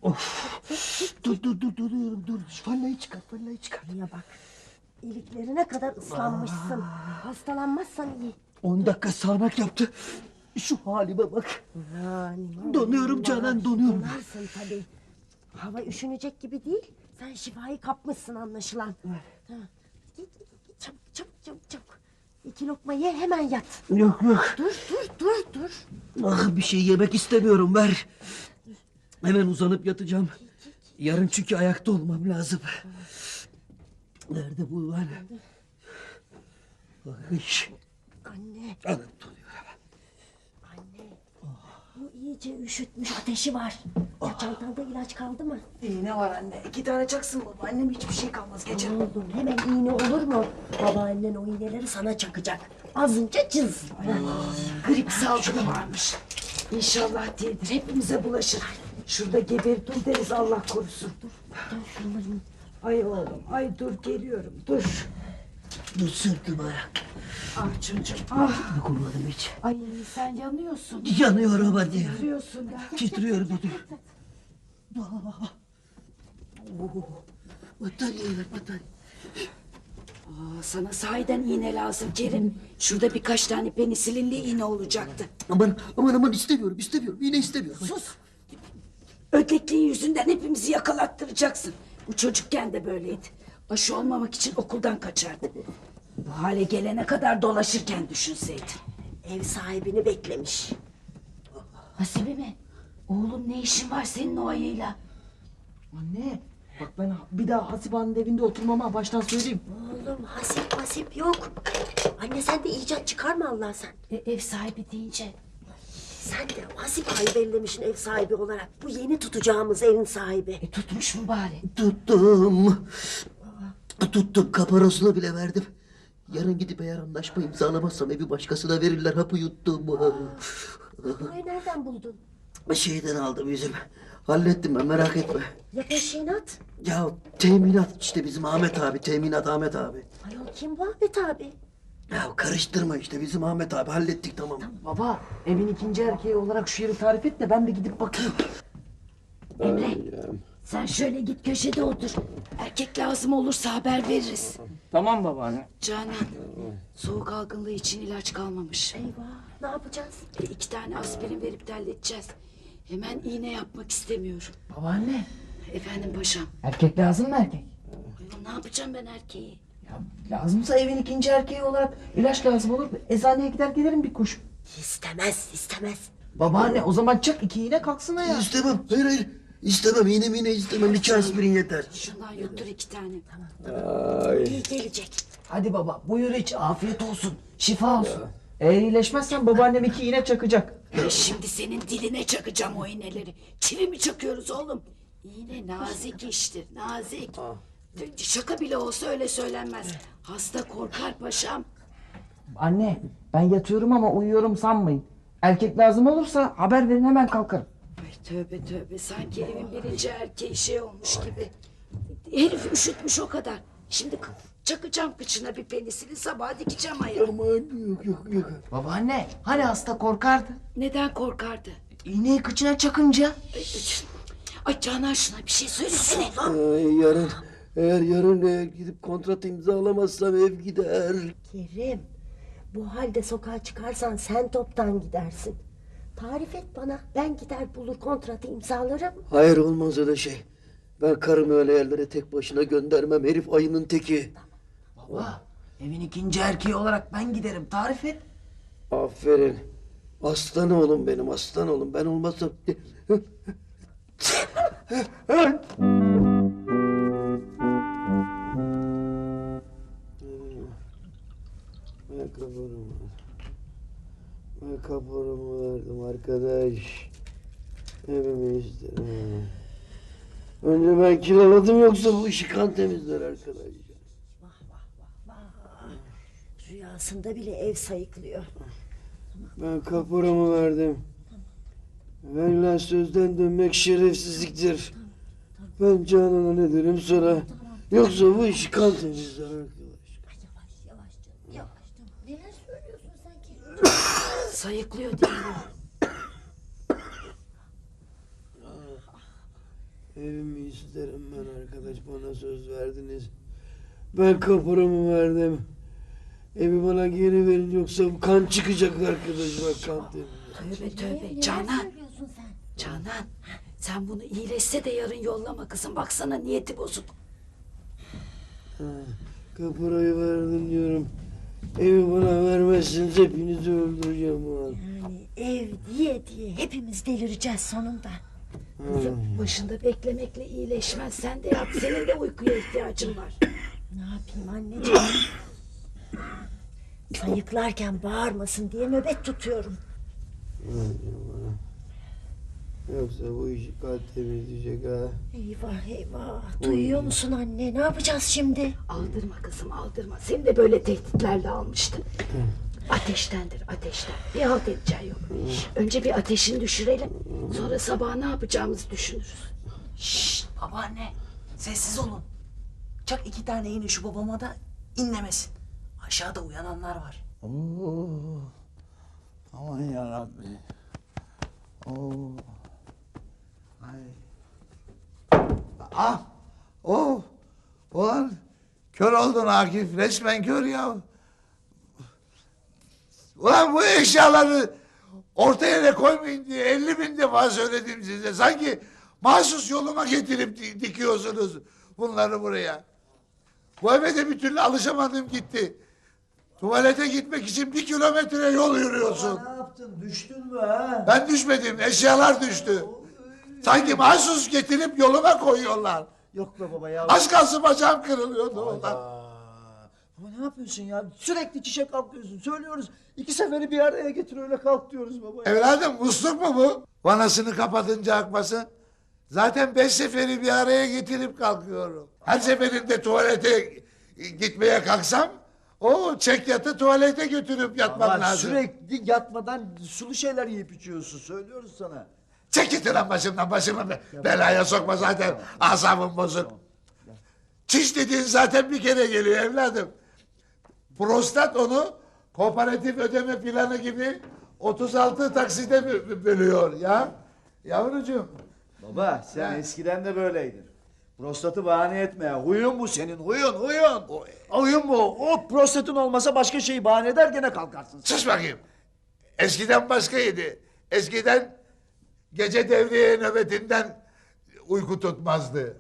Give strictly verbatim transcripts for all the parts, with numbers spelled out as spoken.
Of. Dur dur dur dur dur dur. Fallayı çıkar, fallayı çıkar. Ya bak, iliklerine kadar ıslanmışsın. Hastalanmazsan iyi. On dakika sağanak yaptı. Şu halime bak. Yani, Donuyorum Canan, donuyorum. Donarsın tabii. Hava üşünecek gibi değil. Sen şifayı kapmışsın anlaşılan. Ha. Git, git, çabuk çabuk çabuk çabuk. İki lokma ye, hemen yat. Yok yok. Dur dur dur dur. Ah, bir şey yemek istemiyorum, ver. Hemen uzanıp yatacağım. Yarın çünkü ayakta olmam lazım. Nerede bu lan? Ay. Anne. Anam donuyor. Anne. Bu iyice üşütmüş, ateşi var. Ya çantanda ilaç kaldı mı? İğne var anne. İki tane çaksın baba. Annem hiçbir şey kalmaz gece. Oğlum hemen iğne olur mu? Babaannen o iğneleri sana çakacak. Azınca cız. Grip salgını varmış. İnşallah değildir. Hepimize bulaşır. Şurada geberip dur deriz, Allah korusun. Dön şunları. Ay oğlum, ay dur geliyorum, dur. Bu sırtım ayak. Ah çocuğum, ah. Dokunmadım hiç. Ay sen yanıyorsun. Yanıyorum hadi. Yanıyorsun da. Titriyorum hadi. Ah. Oh. Battaniye ver, battaniye. Aa, sana sahiden iğne lazım Kerim. Şurada birkaç tane penisilinli iğne olacaktı. Aman aman aman istemiyorum istemiyorum. Yine istemiyorum. Sus. Ödekliğin yüzünden hepimizi yakalattıracaksın. Bu çocukken de böyleydi. Aşı olmamak için okuldan kaçardı. Bu hale gelene kadar dolaşırken düşünseydin. Ev sahibini beklemiş. Hasibe mi? Oğlum ne işin var senin o ayıyla? Anne bak ben bir daha Hasibe'nin evinde oturmama baştan söyleyeyim. Oğlum hasip hasip yok. Anne sen de icat çıkarma Allah sen. E, ev sahibi deyince. Sen de hasip ayı bellemişsin ev sahibi olarak. Bu yeni tutacağımız evin sahibi. E, tutmuş mu bari? Tuttum. Tuttum, kaparosunu bile verdim. Yarın gidip eğer anlaşma imzalamazsam evi başkasına verirler, hapı yuttum. Burayı nereden buldun? Şeyden aldım yüzüm. Hallettim ben, merak etme. Ya peşinat? Ya teminat işte, bizim Ahmet abi, teminat Ahmet abi. Ayol kim bu Ahmet abi? Ya karıştırma işte, bizim Ahmet abi, hallettik tamam. Baba evin ikinci erkeği olarak şu yeri tarif et de ben de gidip bakayım. Emre sen şöyle git köşede otur. Erkek lazım olursa haber veririz. Tamam babaanne. Canan soğuk algınlığı için ilaç kalmamış. Eyvah ne yapacağız? E, iki tane aspirin verip de halledeceğiz. Hemen iğne yapmak istemiyorum. Babaanne Efendim paşam. erkek lazım mı erkek? Ayol, ne yapacağım ben erkeği? Ya lazımsa evin ikinci erkeği olarak ilaç lazım olur. Eczaneye gider gelirim bir kuş. İstemez istemez. Babaanne o zaman çak iki iğne kalksın ya. İstemem, hayır hayır. İstemem, iğne mine istemem, iki aspirin yeter. Şundan yuttur iki tane. İyi gelecek. Hadi baba buyur iç afiyet olsun. Şifa olsun. Eğer iyileşmezsen babaannem iki iğne çakacak. Ben şimdi senin diline çakacağım o iğneleri. Çivi mi çakıyoruz oğlum? İğne nazik iştir, nazik. Şaka bile olsa öyle söylenmez. Hasta korkar paşam. Anne ben yatıyorum ama uyuyorum sanmayın. Erkek lazım olursa haber verin hemen kalkarım. Ay tövbe tövbe, sanki evin birinci erkeği şey olmuş gibi. Herif üşütmüş o kadar. Şimdi k- çakacağım kıçına bir penisini, sabaha dikeceğim ayağı. Aman yok yok yok. Babaanne hani hasta korkardı? Neden korkardı? İğneyi kıçına çakınca. Ay, ay Canan şuna bir şey söylesene. Ay, yarın, eğer yarın eğer gidip kontrat imzalamazsam ev gider. Kerim bu halde sokağa çıkarsan sen toptan gidersin. Tarif et bana, ben gider bulur kontratı imzalarım. Hayır, olmaz öyle şey. Ben karımı öyle yerlere tek başına göndermem, herif ayının teki. Baba evin ikinci erkeği olarak ben giderim tarif et. Aferin. Aslan oğlum benim, aslan oğlum. Ben olmazsam... Ben kaporumu Ben kaporumu verdim arkadaş. Evimi istedim. Önce ben kiraladım, yoksa bu işi kan temizler arkadaş. Vah vah vah vah. Rüyasında bile ev sayıklıyor. Ben kaporamı verdim. Verilen sözden dönmek şerefsizliktir. Ben Canan'a ne derim sonra? Yoksa bu işi kan temizler arkadaş. Yavaş yavaş canım yavaş canım. Neler söylüyorsun sen Kerim? Sayıklıyor değil mi? Evimi isterim ben arkadaş, bana söz verdiniz. Ben kaporamı verdim. Evi bana geri verin yoksa kan çıkacak arkadaş, bak kan temizle. Tövbe tövbe. Neler Canan. söylüyorsun sen? Canan. Sen bunu iyileşse de yarın yollama kızım. Baksana niyeti bozuk. Ha, kaporayı verdim diyorum. Evi bana vermezseniz hepinizi öldüreceğim ulan. Yani ev diye diye hepimiz delireceğiz sonunda. Kızım başında beklemekle iyileşmez. Sen de yap. Senin de uykuya ihtiyacın var. Ne yapayım anneciğim? Sayıklarken bağırmasın diye nöbet tutuyorum. Vereceğim bana. Yoksa bu işi kan temizleyecek ha. Eyvah eyvah. Duyuyor musun anne? Ne yapacağız şimdi? Aldırma kızım aldırma. Seni de böyle tehditlerle almıştı. Ateştendir ateşten. Bir halt edeceği yok. Önce bir ateşini düşürelim. Sonra sabah ne yapacağımızı düşünürüz. Şşş babaanne sessiz olun. Çak iki tane iğne şu babama da inlemesin. Aşağıda uyananlar var. Oo. Aman yarabbi. Oo. Ay. Ah. Oh. Ulan kör oldun Akif. Resmen kör ya. Ulan bu eşyaları ortaya da koymayın diye elli bin defa söyledim size. Sanki mahsus yoluma getirip di- dikiyorsunuz bunları buraya. Bu eve de bir türlü alışamadım gitti. Tuvalete gitmek için bir kilometre yol yürüyorsun. Ne yaptın? Düştün mü ha? Ben düşmedim, eşyalar düştü. Sanki mahsus getirip yoluma koyuyorlar. Yok be baba ya. Az kalsın bacağım kırılıyordu ulan. Aa, Baba ne yapıyorsun ya? Sürekli çişe kalkıyorsun. Söylüyoruz. İki seferi bir araya getir öyle kalk diyoruz baba ya. Evladım musluk mu bu? Vanasını kapatınca akmasın. Zaten beş seferi bir araya getirip kalkıyorum. Her seferinde tuvalete gitmeye kalksam o çek yatı tuvalete götürüp yatmam Ama lazım. sürekli yatmadan sulu şeyler yiyip içiyorsun. Söylüyoruz sana. Çek git lan başımdan, başımı be- belaya sokma zaten asabım bozuk. Çiş dediğin zaten bir kere geliyor evladım. Prostat onu kooperatif ödeme planı gibi otuz altı takside bö- bölüyor ya. Yavrucuğum. Baba sen Ha. eskiden de böyleydin. Prostatı bahane etme. Huyun bu senin. Huyun huyun. Huyun bu. O prostatın olmasa başka şeyi bahane eder gene kalkarsın. Sus bakayım. Eskiden başkaydı. Eskiden gece devriye nöbetinden uyku tutmazdı.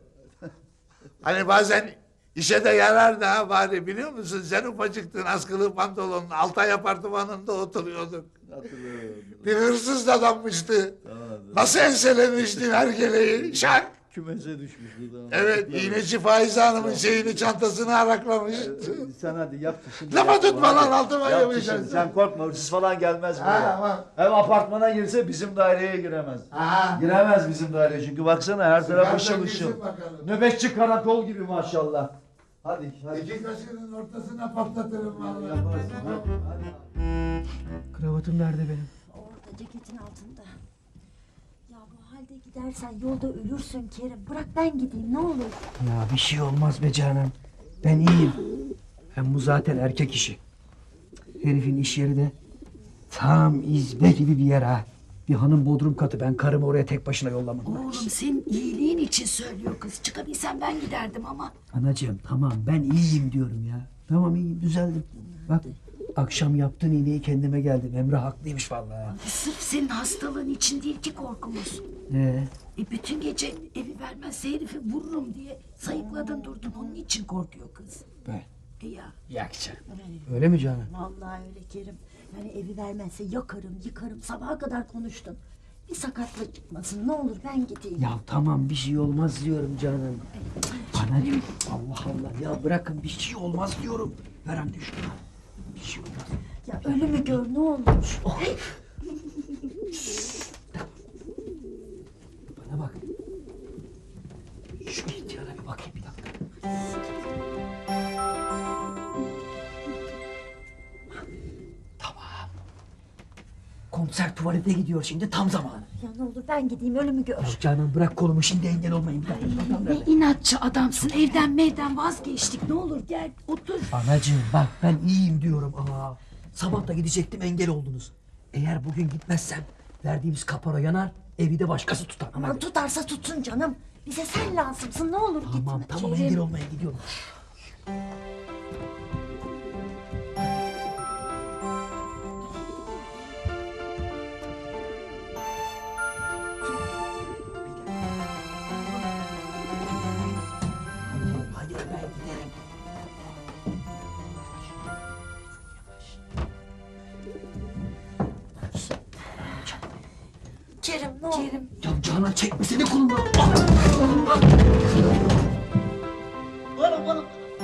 Hani bazen işe de yarar da bari biliyor musun? Sen ufacıktın askılı pantolonun Altay apartmanında oturuyorduk. Hatırlıyorum. Bir hırsız adammıştı. Nasıl enselemiştin hergeleyi? Şak! Kümese düşmüş bu da. Evet, iğneci Faize Hanım'ın şeyini çantasını araklamış. Sen hadi yap şimdi. Lafa yap. tutma lan, Hadi. altıma Yap yapışacaksın. şimdi, Sen korkma hırsız falan gelmez Ha, buraya. tamam. Hem apartmana girse bizim daireye giremez. Ha. Giremez bizim daireye çünkü baksana her taraf Sigara ışıl girsin ışıl. bakalım. Nöbetçi karakol gibi maşallah. Hadi hadi. İki kaşının ortasına patlatırım vallahi. Yaparsın, ha? Hadi. Kravatım nerede benim? Orada ceketin altında. Ya bu halde gidersen yolda ölürsün Kerim. Bırak ben gideyim ne olur. Ya bir şey olmaz be Canan. Ben iyiyim. Hem bu zaten erkek işi. Herifin iş yeri de tam izbe gibi bir yer ha. Bir hanım bodrum katı. Ben karımı oraya tek başına yollamam. Oğlum senin iyiliğin için söylüyor kız. Çıkabilsem ben giderdim ama. Anacığım tamam ben iyiyim diyorum ya. Tamam iyiyim düzeldim. Bak akşam yaptığın iğneyi kendime geldim. Emre haklıymış vallahi. Sırf senin hastalığın için değil ki korkumuz. Ee, E bütün gece evi vermezse herifi vururum diye sayıkladın durdun. Onun için korkuyor kız. ben. E ya. Yakacağım. Öyle mi Canan? Vallahi öyle Kerim. Yani evi vermezse yakarım yıkarım sabaha kadar konuştun. Bir sakatlık çıkmasın ne olur ben gideyim. Ya tamam bir şey olmaz diyorum Canan. Anacığım Allah Allah ya bırakın bir şey olmaz diyorum. Ver anne şunu. Bir şey olmaz. Ya ölümü gör ne olur. Bana bak. Şu ihtiyara bir bakayım bir dakika. Tamam. Komiser tuvalete gidiyor şimdi tam zamanı. Ya ne olur ben gideyim ölümü gör. Ya Canan bırak kolumu şimdi engel olmayın. Bir dakika. Adam Ne nerede? inatçı adamsın. Evden mevden vazgeçtik. Ne olur gel otur. Anacığım bak ben iyiyim diyorum. Aa, sabah da gidecektim engel oldunuz. Eğer bugün gitmezsem verdiğimiz kapora yanar evi de başkası tutar. Aman tutarsa tutsun canım. Bize sen lazımsın, ne olur gitme. Tamam tamam engel olmaya gidiyorum. Hadi ben giderim. Kerim ne olur. Kerim. Ya Canan çekme seni kolumdan. Bana bana.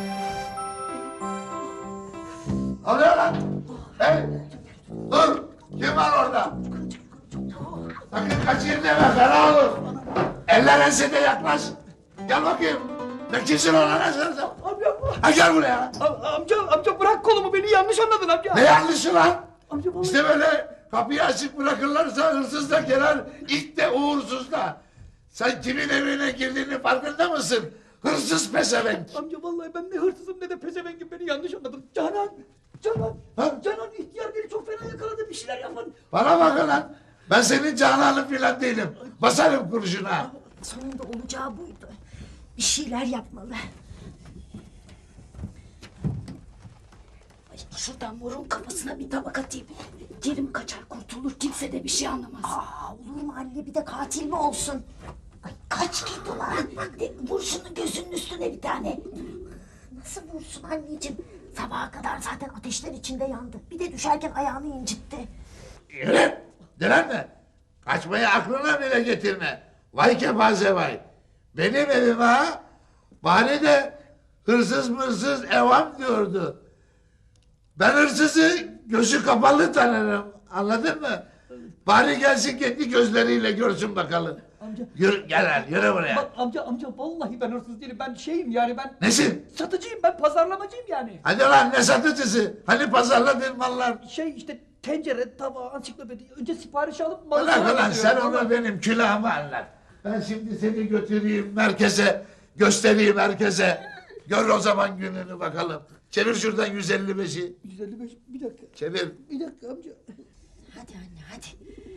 Ne oluyor lan? Hey! Dur! Kim var orada? Sakın kaçayım deme, fena olur. Eller ensede yaklaş. Gel bakayım. Ne kimsin ona ne sen? Amca, Ha gel buraya. am- amca, amca bırak kolumu, beni yanlış anladın amca. Ne yanlışı lan? Amca vallahi- İşte böyle kapıyı açık bırakırlarsa hırsız da girer, ilk de uğursuz da. Sen kimin evine girdiğini farkında mısın? Hırsız pezevenk. Amca vallahi ben ne hırsızım ne de pezevengim, beni yanlış anladın. Canan, Canan, Ha? Canan ihtiyar beni çok fena yakaladı, bir şeyler yapın. Bana bakın lan. Ben senin cananın filan değilim. Basarım kurşuna. Sonunda olacağı buydu. Bir şeyler yapmalı. Ay, şuradan morun kafasına bir tabak atayım. Kerim kaçar kurtulur, kimse de bir şey anlamaz. Aa, olur mu anne, bir de katil mi olsun? Ay, kaç git ulan. De, vur şunu gözünün üstüne bir tane. Nasıl vursun anneciğim? Sabaha kadar zaten ateşler içinde yandı. Bir de düşerken ayağını incitti. Yürü. Direnme. Kaçmayı aklına bile getirme. Vay kepaze vay. Benim evime ha. Bari de hırsız mırsız evam diyordu. Ben hırsızı gözü kapalı tanırım. Anladın mı? Bari gelsin kendi gözleriyle görsün bakalım. Amca. Yürü, gel lan yürü buraya. Bak amca, amca vallahi ben hırsız değilim, ben şeyim yani ben... Nesin? Satıcıyım, ben pazarlamacıyım yani. Hadi lan ne satıcısı? Hani pazarladığın mallar? Şey işte tencere, tava, ansiklopedi, önce sipariş alıp malı Bırak sonra ulan sen getiriyorum. onu benim külahıma anlat. Ben şimdi seni götüreyim merkeze, göstereyim herkese. Gör o zaman gününü bakalım. Çevir şuradan yüz elli beşi. yüz elli beş, bir dakika, Çevir. bir dakika amca. Hadi anne hadi.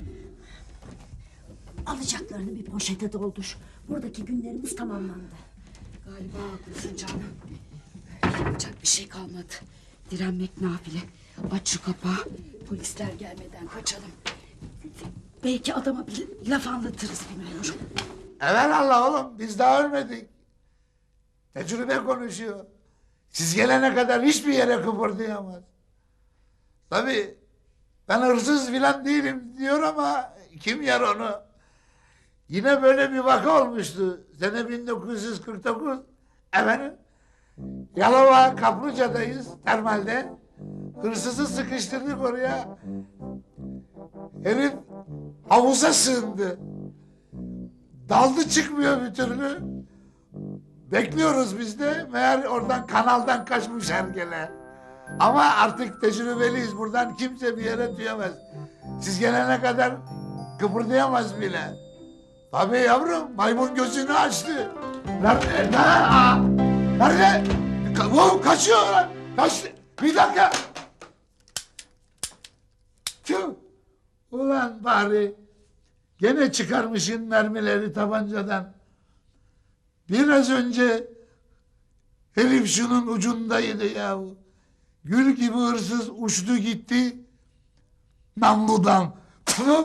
Alacaklarını bir poşete doldur. Buradaki günlerimiz tamamlandı. Galiba haklısın canım. Yapacak bir şey kalmadı. Direnmek nafile. Aç şu kapağı. Polisler gelmeden kaçalım. Belki adama bir laf anlatırız bilmiyorum. Evelallah oğlum biz daha ölmedik. Tecrübe konuşuyor. Siz gelene kadar hiçbir yere kıpırdayamaz. Tabii ben hırsız filan değilim diyor ama kim yer onu? Yine böyle bir vaka olmuştu. Sene bin dokuz yüz kırk dokuz. Efendim? Yalova Kaplıca'dayız termalde. Hırsızı sıkıştırdık oraya. Herif havuza sığındı. Daldı çıkmıyor bir türlü. Bekliyoruz biz de. Meğer oradan kanaldan kaçmış hergele. Ama artık tecrübeliyiz. Buradan kimse bir yere tüyemez. Siz gelene kadar kıpırdayamaz bile. Tabii yavrum maymun gözünü açtı. Nerede? Ne? Aa! Nerede? Ka wow, kaçıyor lan. Kaçtı. Bir dakika. Tüh. Ulan bari. Gene çıkarmışın mermileri tabancadan. Biraz önce herif şunun ucundaydı yahu. Gül gibi hırsız uçtu gitti. Namludan. Tüh.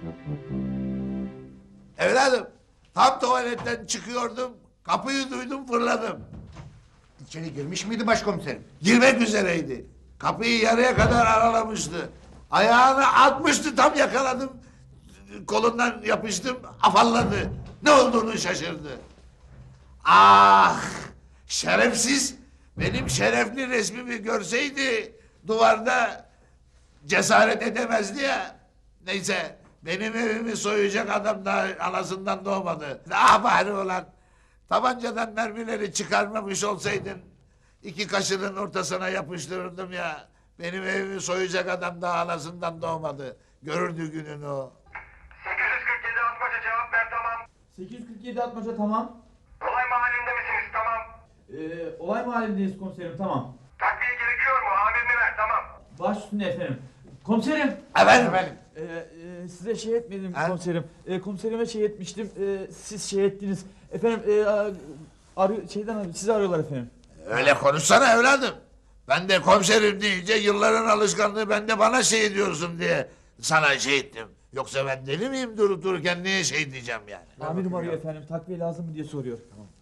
Evladım, tam tuvaletten çıkıyordum, kapıyı duydum fırladım. İçeri girmiş miydi başkomiserim? Girmek üzereydi. Kapıyı yarıya kadar aralamıştı. Ayağını atmıştı, tam yakaladım. Kolundan yapıştım, afalladı. Ne olduğunu şaşırdı. Ah! Şerefsiz! Benim şerefli resmimi görseydi duvarda cesaret edemezdi ya. Neyse, benim evimi soyacak adam daha anasından doğmadı. Ah bari ulan! Tabancadan mermileri çıkarmamış olsaydın iki kaşının ortasına yapıştırırdım ya. Benim evimi soyacak adam daha anasından doğmadı. Görürdü gününü o. sekiz yüz kırk yedi Atmaca cevap ver tamam. sekiz yüz kırk yedi Atmaca tamam. Olay mahallinde misiniz tamam. Ee, olay mahallindeyiz komiserim tamam. Takviye gerekiyor mu? Amirini ver tamam. Baş üstüne efendim. Komiserim. Efendim? Ee, e, size şey etmedim Ha? komiserim. Ee, komiserime şey etmiştim. Ee, siz şey ettiniz. Efendim e, a- arıyor, şeyden arıyor, sizi arıyorlar efendim. Öyle konuşsana evladım. Ben de komiserim deyince yılların alışkanlığı ben de bana şey diyorsun diye sana şey ettim. Yoksa ben deli miyim durup dururken niye şey diyeceğim yani? Amirim arıyor efendim. Takviye lazım mı diye soruyor.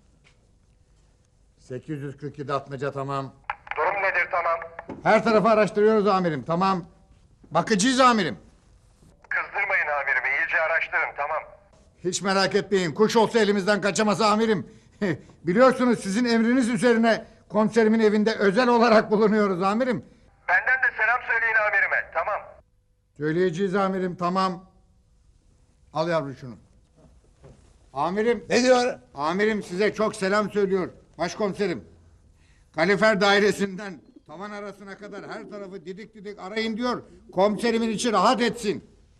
sekiz yüz kırk yedi atmaca tamam. Durum nedir tamam? Her tarafı araştırıyoruz amirim tamam. Bakıcıyız amirim. Kızdırmayın amirimi iyice araştırın tamam. Hiç merak etmeyin kuş olsa elimizden kaçamaz amirim. Biliyorsunuz sizin emriniz üzerine komiserimin evinde özel olarak bulunuyoruz amirim. Benden de selam söyleyin amirime tamam. Söyleyeceğiz amirim tamam. Al yavrum şunu. Amirim, Ne diyor? amirim size çok selam söylüyor. Başkomiserim. Kalifer dairesinden tavan arasına kadar her tarafı didik didik arayın diyor. Komiserimin içi rahat etsin.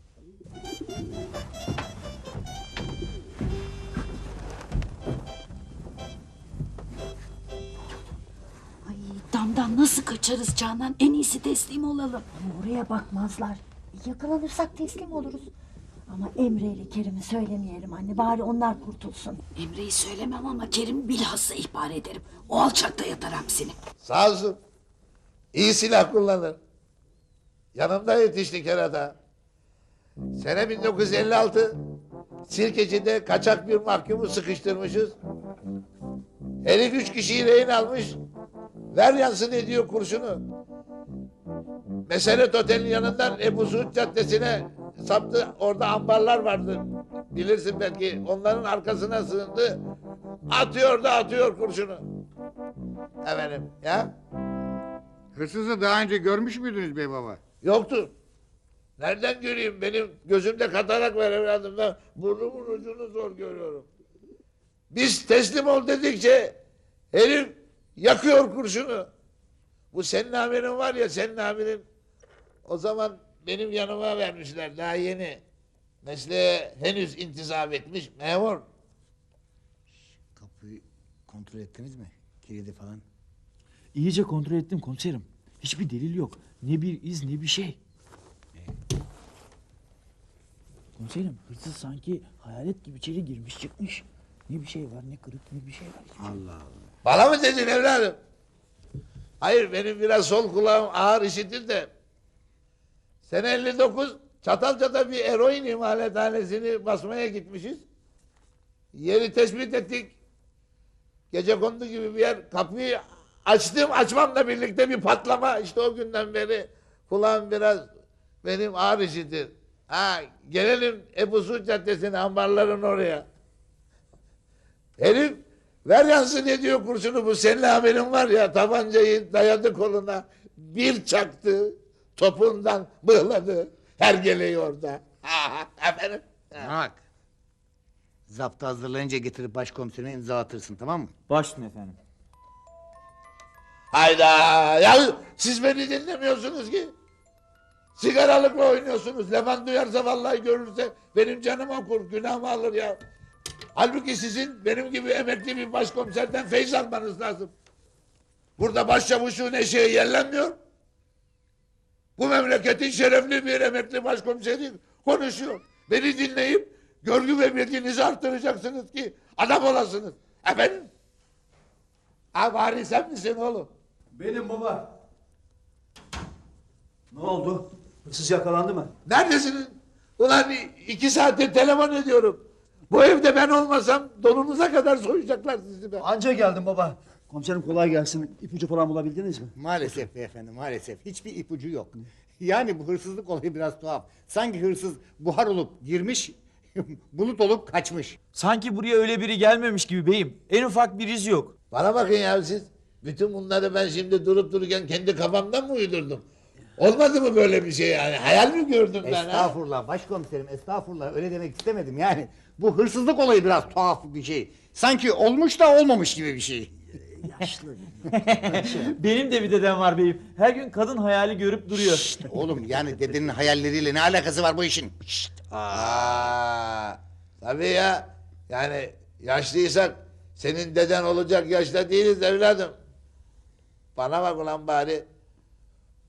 Ay damdan nasıl kaçarız Canan? En iyisi teslim olalım. Ama oraya bakmazlar. Yakalanırsak teslim oluruz. Ama Emre ile Kerim'i söylemeyelim anne. Bari onlar kurtulsun. Emre'yi söylemem ama Kerim bilhassa ihbar ederim. O alçakta yatar hapsini. Sağ olsun. İyi silah kullanır. Yanımda yetişti kerata. Sene bin dokuz yüz elli altı. Sirkeci'de kaçak bir mahkumu sıkıştırmışız. Herif üç kişiyi rehin almış. Ver yansın ediyor kurşunu. Meseret Otel'in yanından Ebu Suud Caddesi'ne saptı. Orada ambarlar vardı. Bilirsin belki. Onların arkasına sığındı. Atıyor da atıyor kurşunu. Efendim ya? Hırsızı daha önce görmüş müydünüz bey baba? Yoktur. Nereden göreyim? Benim gözümde katarak var evladım. Ben burnumun ucunu zor görüyorum. Biz teslim ol dedikçe herif yakıyor kurşunu. Bu senin amirin var ya senin amirin. O zaman benim yanıma vermişler daha yeni. Mesleğe henüz intizam etmiş memur. Kapıyı kontrol ettiniz mi? Kilidi falan. İyice kontrol ettim komiserim. Hiçbir delil yok. Ne bir iz ne bir şey. Komiserim hırsız sanki hayalet gibi içeri girmiş çıkmış. Ne bir şey var ne kırık ne bir şey var. Allah Allah. Bana mı dedin evladım? Hayır benim biraz sol kulağım ağır işitir de. Sene elli dokuz Çatalca'da bir eroin imalathanesini basmaya gitmişiz. Yeri tespit ettik. Gecekondu gibi bir yer. Kapıyı açtım açmamla birlikte bir patlama. İşte o günden beri kulağım biraz benim ağır işitir. Ha gelelim Ebu Suud Caddesi'ne ambarların oraya. Herif ver yansın ediyor kurşunu bu senin haberin var ya tabancayı dayadı koluna bir çaktı topundan bığladı hergeleyi orada. Efendim? Bak. Zaptı hazırlayınca getirip başkomiserine imza atırsın tamam mı? Başüstüne efendim. Hayda ya siz beni dinlemiyorsunuz ki. Sigaralıkla oynuyorsunuz. Levent duyarsa vallahi görürse benim canım okur günahımı alır ya. Halbuki sizin benim gibi emekli bir başkomiserden feyz almanız lazım. Burada başçavuşun eşeği yerlenmiyor. Bu memleketin şerefli bir emekli başkomiseri konuşuyor. Beni dinleyip görgü ve bilginizi arttıracaksınız ki adam olasınız. Efendim? Ha bari sen misin oğlum? Benim baba. Ne oldu? Hırsız yakalandı mı? Neredesiniz? Ulan iki saattir telefon ediyorum. Bu evde ben olmasam donunuza kadar soyacaklar sizi be. Anca geldim baba. Komiserim kolay gelsin. İpucu falan bulabildiniz mi? Maalesef beyefendi maalesef. Hiçbir ipucu yok. Yani bu hırsızlık olayı biraz tuhaf. Sanki hırsız buhar olup girmiş, bulut olup kaçmış. Sanki buraya öyle biri gelmemiş gibi beyim. En ufak bir iz yok. Bana bakın ya siz. Bütün bunları ben şimdi durup dururken kendi kafamdan mı uydurdum? Olmadı mı böyle bir şey yani? Hayal mi gördüm ben ha? Estağfurullah başkomiserim estağfurullah öyle demek istemedim yani. Bu hırsızlık olayı biraz tuhaf bir şey. Sanki olmuş da olmamış gibi bir şey. Benim de bir dedem var beyim. Her gün kadın hayali görüp duruyor. Şşt, oğlum yani dedenin hayalleriyle ne alakası var bu işin? Şşt. Aa, tabii ya. Yani yaşlıysak senin deden olacak yaşta değiliz evladım. Bana bak ulan bari.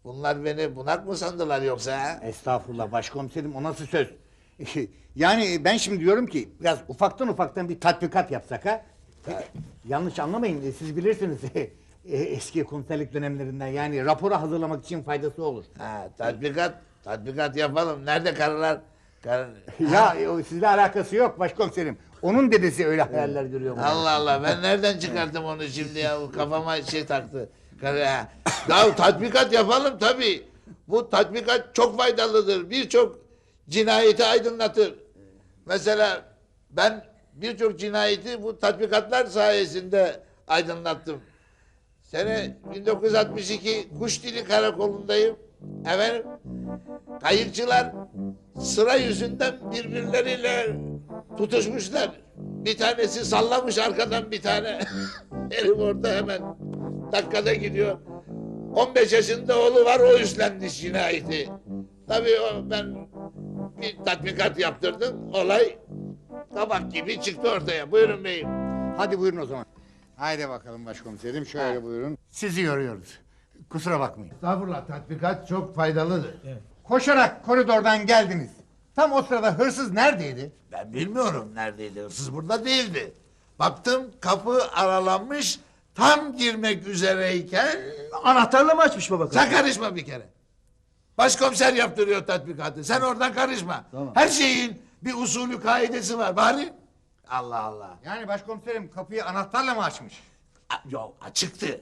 Bunlar beni bunak mı sandılar yoksa ha? Estağfurullah başkomiserim, o nasıl söz? Yani ben şimdi diyorum ki biraz ufaktan ufaktan bir tatbikat yapsak ha? Yanlış anlamayın, siz bilirsiniz eski komiserlik dönemlerinden, yani raporu hazırlamak için faydası olur. Ha, tatbikat, tatbikat yapalım. Nerede karılar? Kar... Ya o sizle alakası yok başkomiserim. Onun dedesi öyle hayaller görüyor. Allah Allah, ben nereden çıkarttım onu şimdi ya? Kafama şey taktı. Karı, ha. Ya tatbikat yapalım tabii. Bu tatbikat çok faydalıdır. Birçok cinayeti aydınlatır. Mesela ben birçok cinayeti bu tatbikatlar sayesinde aydınlattım. Sene bin dokuz yüz altmış iki Kuşdili Karakolu'ndayım. Efendim, kayıkçılar sıra yüzünden birbirleriyle tutuşmuşlar. Bir tanesi sallamış arkadan bir tane. Herif orada hemen dakikada gidiyor. on beş yaşında oğlu var, o üstlenmiş cinayeti. Tabii o, ben bir tatbikat yaptırdım. Olay kabak gibi çıktı ortaya. Buyurun beyim. Hadi buyurun o zaman. Haydi bakalım başkomiserim, şöyle buyurun. Sizi yoruyoruz. Kusura bakmayın. Estağfurullah, tatbikat çok faydalıdır. Koşarak koridordan geldiniz. Tam o sırada hırsız neredeydi? Ben bilmiyorum neredeydi, hırsız burada değildi. Baktım kapı aralanmış, tam girmek üzereyken... Anahtarla mı açmış baba? Sen karışma bir kere. Başkomiser yaptırıyor tatbikatı, sen oradan karışma. Her şeyin bir usulü, kaidesi var bari. Allah Allah. Yani başkomiserim kapıyı anahtarla mı açmış? A- Yok, açıktı.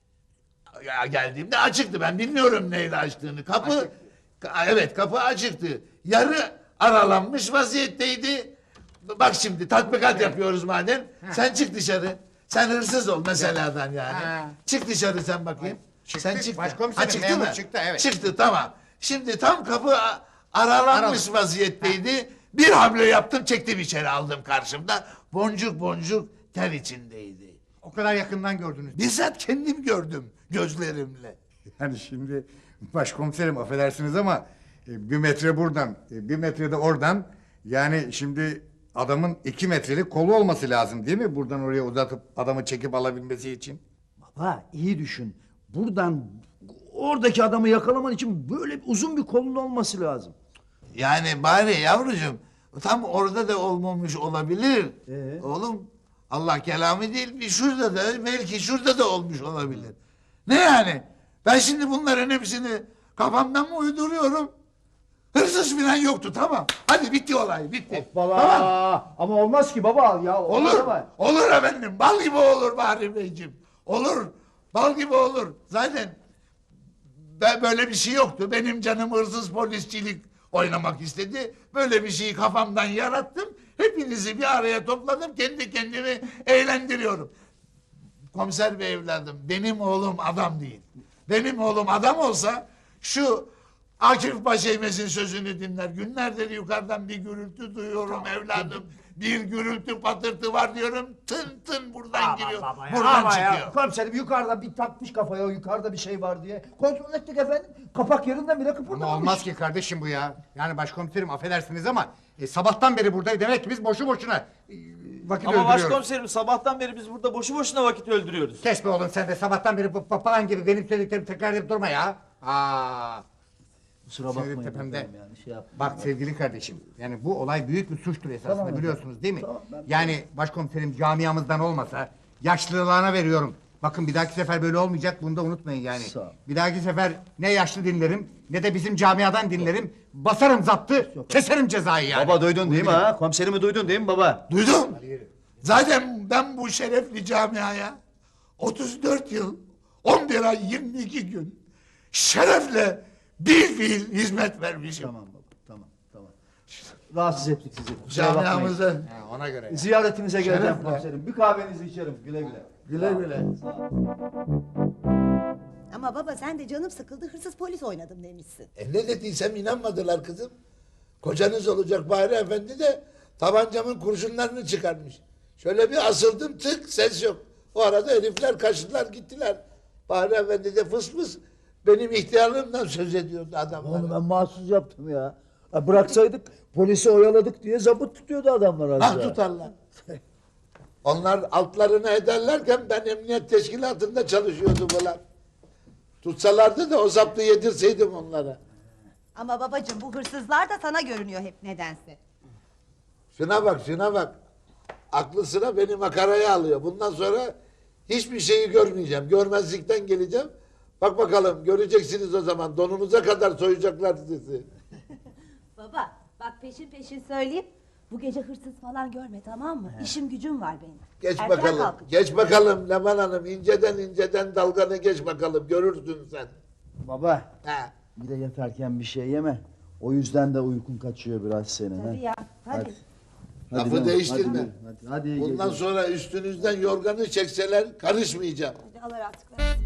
Ya geldiğimde açıktı, ben bilmiyorum neyle açtığını. Kapı, Açık. Ka- evet kapı açıktı. Yarı aralanmış vaziyetteydi. Bak şimdi tatbikat yapıyoruz madem. Sen çık dışarı. Sen hırsız ol meseladan yani. Ha. Çık dışarı sen bakayım. Çıktık, Sen çıktın. başkomiserim, Ha, çıktı memur mı? çıktı, evet. Çıktı, tamam. Şimdi tam kapı a- aralanmış vaziyetteydi. Bir hamle yaptım, çektim içeri, aldım karşımda. Boncuk boncuk ter içindeydi. O kadar yakından gördünüz. Bizzat kendim gördüm gözlerimle. Yani şimdi başkomiserim affedersiniz ama e, bir metre buradan, e, bir metre de oradan. Yani şimdi adamın iki metrelik kolu olması lazım değil mi? Buradan oraya uzatıp adamı çekip alabilmesi için. Baba iyi düşün. Buradan oradaki adamı yakalaman için böyle uzun bir kolun olması lazım. Yani bari yavrucuğum tam orada da olmamış olabilir. Ee? Oğlum Allah kelamı değil, bir şurada da belki şurada da olmuş olabilir. Ne yani? Ben şimdi bunların hepsini kafamdan mı uyduruyorum? Hırsız falan yoktu, tamam. Hadi bitti olay, bitti. Tamam. Ama olmaz ki baba ya. Olur, olur efendim. Bal gibi olur Bahri Beyciğim. Olur, bal gibi olur. Zaten ben böyle bir şey yoktu. Benim canım hırsız polisçilik oynamak istedi. Böyle bir şeyi kafamdan yarattım. Hepinizi bir araya topladım. Kendi kendimi eğlendiriyorum. Komiser bey evladım, benim oğlum adam değil. Benim oğlum adam olsa şu Akif Paşaymez'in sözünü dinler. Günlerdir yukarıdan bir gürültü duyuyorum evladım. Bir gürültü patırtı var diyorum. Tın tın buradan giriyor. Buradan çıkıyor. Komiserim yukarıda bir takmış kafaya, yukarıda bir şey var diye. Kontrol ettik efendim. Kapak yerinden bile kıpırdamamış. Ama olmaz ki kardeşim bu ya. Yani başkomiserim affedersiniz ama e, sabahtan beri buradayız. Demek ki biz boşu boşuna e, vakit Ama öldürüyoruz. başkomiserim sabahtan beri biz burada boşu boşuna vakit öldürüyoruz. Kes be oğlum sen de sabahtan beri bu papağan gibi benim söylediklerimi tekrar edip durma ya. Aa. Kusura Senin bakmayın tepemde. efendim yani şey yaptım. Bak sevgili kardeşim, yani bu olay büyük bir suçtur esasında, Tamam biliyorsunuz değil mi? Tamam, ben yani başkomiserim camiamızdan olmasa yaşlılığına veriyorum. Bakın bir dahaki sefer böyle olmayacak, bunu da unutmayın yani. Sağ ol. Bir dahaki sefer ne yaşlı dinlerim ne de bizim camiadan dinlerim. Basarım zaptı, keserim cezayı yani. Baba duydun değil mi ha? Komiserimi duydun değil mi baba? Duydum. Zaten ben bu şerefli camiaya otuz dört yıl, on bir ay, yirmi iki gün şerefle bir fiil hizmet vermişim. Tamam baba, tamam, tamam. Rahatsız ettik sizi. Kusura bakmayın. Camiamıza Ha, ona göre. Ziyaretinize geleceğim Şerefle. komiserim. Bir kahvenizi içerim güle güle. güle güle. Ama baba sen de canım sıkıldı hırsız polis oynadım demişsin. E ne dediysem inanmadılar kızım. Kocanız olacak Bahri Efendi de tabancamın kurşunlarını çıkarmış. Şöyle bir asıldım, tık, ses yok. O arada herifler kaçtılar gittiler. Bahri Efendi de fıs fıs benim ihtiyarlığımdan söz ediyordu adamlar. Onu ben mahsus yaptım ya. Ha, bıraksaydık polisi oyaladık diye zabıt tutuyordu adamlar az Ah daha. tutarlar. Onlar altlarını ederlerken ben emniyet teşkilatında çalışıyordum ulan. Tutsalardı da o zaptı yedirseydim onlara. Ama babacığım bu hırsızlar da sana görünüyor hep nedense. Şuna bak, şuna bak. Aklı sıra beni makaraya alıyor. Bundan sonra hiçbir şeyi görmeyeceğim. Görmezlikten geleceğim. Bak bakalım, göreceksiniz o zaman. Donunuza kadar soyacaklar sizi. Baba bak peşin peşin söyleyeyim. Bu gece hırsız falan görme, tamam mı? İşim gücüm var benim. Geç Erken bakalım, kalkacağım. geç bakalım Leman Hanım. İnceden inceden dalganı geç bakalım. Görürsün sen. Baba Ha. bir de yatarken bir şey yeme. O yüzden de uykun kaçıyor biraz senin. Tabii ha? ya. Hadi. Hadi Lafı Leman, değiştirme. Hadi, hadi, hadi iyi Bundan geceler. sonra üstünüzden yorganı çekseler karışmayacağım. Hadi Allah rahatlık versin.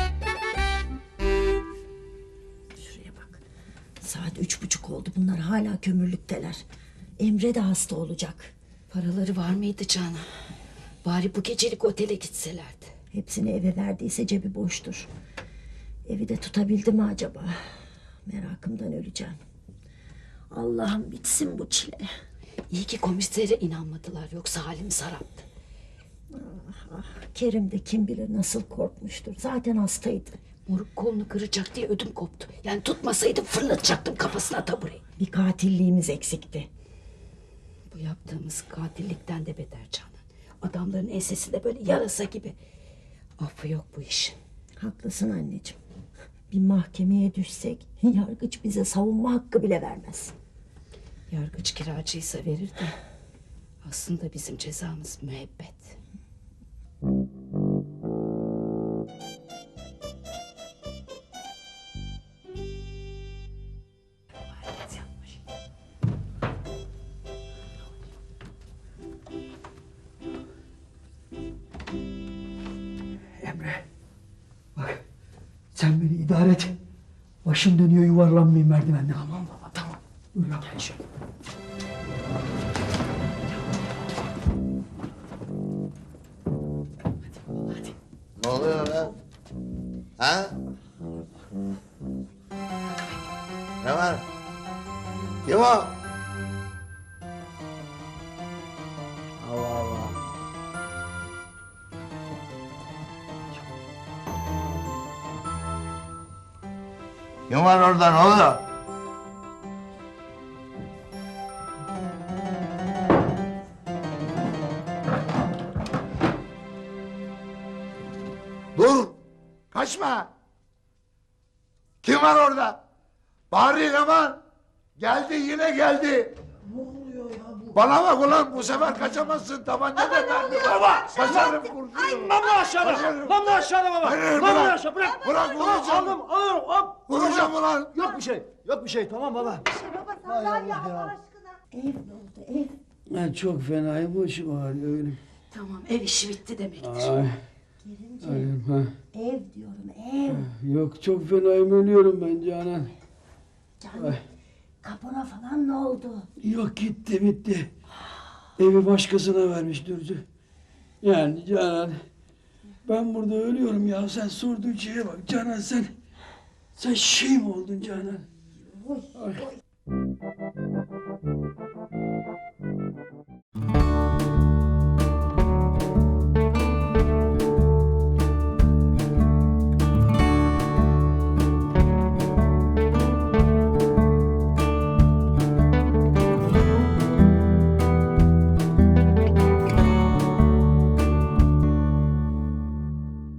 Şuraya bak. Saat üç buçuk oldu. Bunlar hala kömürlükteler. Emre de hasta olacak. Paraları var mıydı Canan? Bari bu gecelik otele gitselerdi. Hepsini eve verdiyse cebi boştur. Evi de tutabildi mi acaba? Merakımdan öleceğim. Allah'ım bitsin bu çile. İyi ki komisere inanmadılar, yoksa halimiz haraptı. Ah, Kerim de kim bilir nasıl korkmuştur. Zaten hastaydı. Moruk kolunu kıracak diye ödüm koptu. Yani tutmasaydım fırlatacaktım kafasına tabureyi. Bir katilliğimiz eksikti. Bu yaptığımız katillikten de beter Canan. Adamların ensesinde böyle yarasa gibi. Affı yok bu işin. Haklısın anneciğim. Bir mahkemeye düşsek yargıç bize savunma hakkı bile vermez. Yargıç kiracıysa verir de aslında bizim cezamız müebbet. Emre. Bak sen beni idare et. Başım dönüyor yuvarlanmayayım merdivenden. Tamam baba tamam. Dur ya. Gel şöyle. Ne oluyor lan? Ha? Ne var? Kim o? Allah Allah. Kim var orada, ne oluyor? Dur! Kaçma! Kim var orada? Bari Leman! Geldi, yine geldi! Ne oluyor ya bu? Bana bak ulan, bu sefer kaçamazsın, tabanca da mermi var. Baba! Kaçarım kurşunu! Namlu aşağıda. Kaçarım. Namlu aşağıda baba. Hayır, Namlu bırak. aşağı bırak. Bırak, Tamam, vuracağım. aldım alırım hop. Vuracağım ulan! Yok bir şey. Yok bir şey tamam baba. Baba sandalye Allah aşkına. Ev ne oldu ev? Ben çok fenayım, başım ağrıyor öyle. Tamam, ev işi bitti demektir. Ay, Kerimciğim ölüm ha. ev diyorum ev. Yok çok fenayım, ölüyorum ben Canan. Canım kapora falan ne oldu? Yok gitti bitti. Evi başkasına vermiş Dürzü. Yani Canan, ben burada ölüyorum ya, sen sorduğun şeye bak Canan, sen sen şey mi oldun Canan? Oy, oy.